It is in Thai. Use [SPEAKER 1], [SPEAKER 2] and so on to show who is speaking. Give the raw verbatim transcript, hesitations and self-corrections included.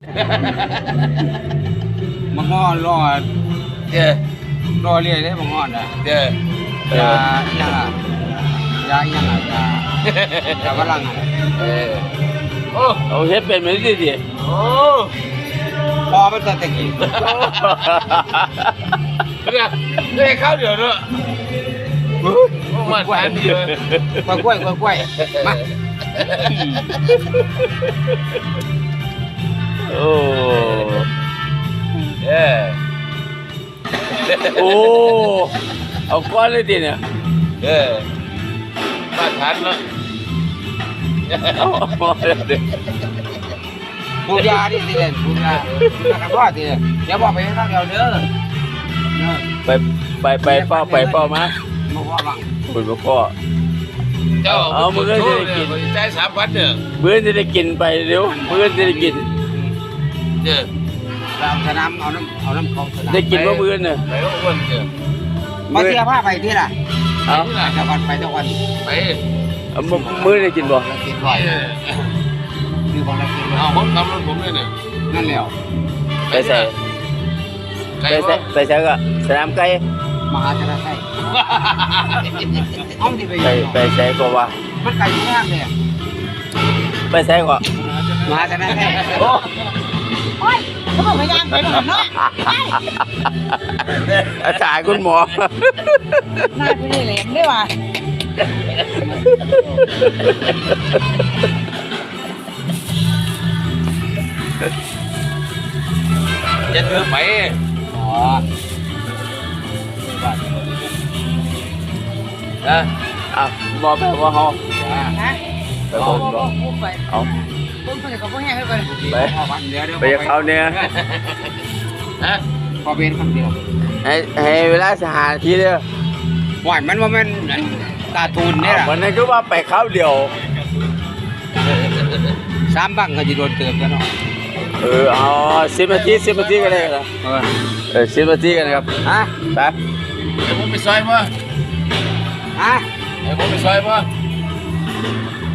[SPEAKER 1] มังงอนรอ
[SPEAKER 2] เจ้อ
[SPEAKER 1] รอเรียได้มังงอนอ่ะ
[SPEAKER 2] เจ้อย
[SPEAKER 1] ายังอ่ะยายังอ่ะยายาฝรั่งอ่ะ
[SPEAKER 2] เออโอ้
[SPEAKER 3] เอาเฮ็ดเป็นไม่ได้ดิ
[SPEAKER 2] โอ้
[SPEAKER 1] พอมันตะกี้
[SPEAKER 2] เนี่ยได้ข้าวเดียวเนอะมาทานเดียว
[SPEAKER 1] กล้วยกล้วยกล้วยกล้วยมา
[SPEAKER 3] โอ้
[SPEAKER 2] เออ
[SPEAKER 3] โอ้เอาก้อนเลยดิเนี่ย
[SPEAKER 2] เออมาทานเนาะ
[SPEAKER 3] เอาเอาเลยดิ
[SPEAKER 1] ปูยาดิสิเด่นปูยาปูยากระเพาะดิอย่าบอกไปข้างเดียวเด้อเด้อ
[SPEAKER 3] ไปไปไปเป้าไปเป้ามา
[SPEAKER 1] มาว่าบัง
[SPEAKER 3] คุณพ่อ
[SPEAKER 2] เจ้า
[SPEAKER 3] เอามือเลยจะได้กิน
[SPEAKER 2] ใจสามพันเนี่ย
[SPEAKER 3] เบื่อจะได้กินไปเร็วเบื่อจะได้กิน
[SPEAKER 2] เจ้อ
[SPEAKER 1] เราสนามเอาน้ำเอาน้ำของสนาม
[SPEAKER 3] ได้กินว่าเบื่อเนี่ย
[SPEAKER 2] ไปแล้วอ้วนเจ้อ
[SPEAKER 1] มาเสียผ้าไปที่ล่ะ
[SPEAKER 3] เอา
[SPEAKER 1] ไปตะวันไปตะวัน
[SPEAKER 2] ไป
[SPEAKER 3] เอามือมือได้กินบ่
[SPEAKER 1] ละกินบ่อยคือบอกละกิน
[SPEAKER 2] เอาผมทำรถผมเลยเนี่ย
[SPEAKER 1] นั่นแหละ
[SPEAKER 3] ไปใส่
[SPEAKER 2] ไก่
[SPEAKER 3] ไปใส่
[SPEAKER 2] ว่า
[SPEAKER 3] ไปใส่ก็สนามไก่
[SPEAKER 1] มหาชนะไก่เอาที่ไป
[SPEAKER 3] ไปไปใส่ก็ว่า
[SPEAKER 1] มันไก่ยุ่งยากเลย
[SPEAKER 3] ไปใส่ก็
[SPEAKER 1] มหาชนะไก่
[SPEAKER 3] โอ้
[SPEAKER 4] โอ้ยเขาบอกพยานไปหมดเนาะ
[SPEAKER 3] อาจารย์คุณหมอ
[SPEAKER 4] น่าจะได้เหลมด้วยว่ะ
[SPEAKER 2] จะเธอไป
[SPEAKER 1] อ๋อ
[SPEAKER 2] นะ
[SPEAKER 3] อ่ะบอกไปว่าเขา
[SPEAKER 4] นะ
[SPEAKER 3] ไปบอก
[SPEAKER 4] บอกพูดไป
[SPEAKER 3] เอา
[SPEAKER 4] พูดไปกับพวกแห้งไปก่อน
[SPEAKER 1] ไปเดี๋ยวเดี๋ยว
[SPEAKER 3] ไปกับเขาเนี่ย
[SPEAKER 2] ฮะ
[SPEAKER 1] พอเป็นคำเดียว
[SPEAKER 3] ให้ให้เวลาสหาทีเดียว
[SPEAKER 1] หวานมันว่ามันการ์ตูนเนี่ย
[SPEAKER 3] วันนั้นก็ว่าไปเข้าเดียว
[SPEAKER 1] สามบังก็จะโดนเติมกันเนาะ
[SPEAKER 3] เออเอาสิบนาทีสิบนาทีก็ได้ครับ
[SPEAKER 1] เออ
[SPEAKER 3] เออสิบนาทีกันครับ
[SPEAKER 1] ฮะ
[SPEAKER 3] ไป
[SPEAKER 2] เดี๋ยวผมไปซอยมั้ง
[SPEAKER 1] ฮะ
[SPEAKER 2] เดี๋ยวผมไปซอยมั้ง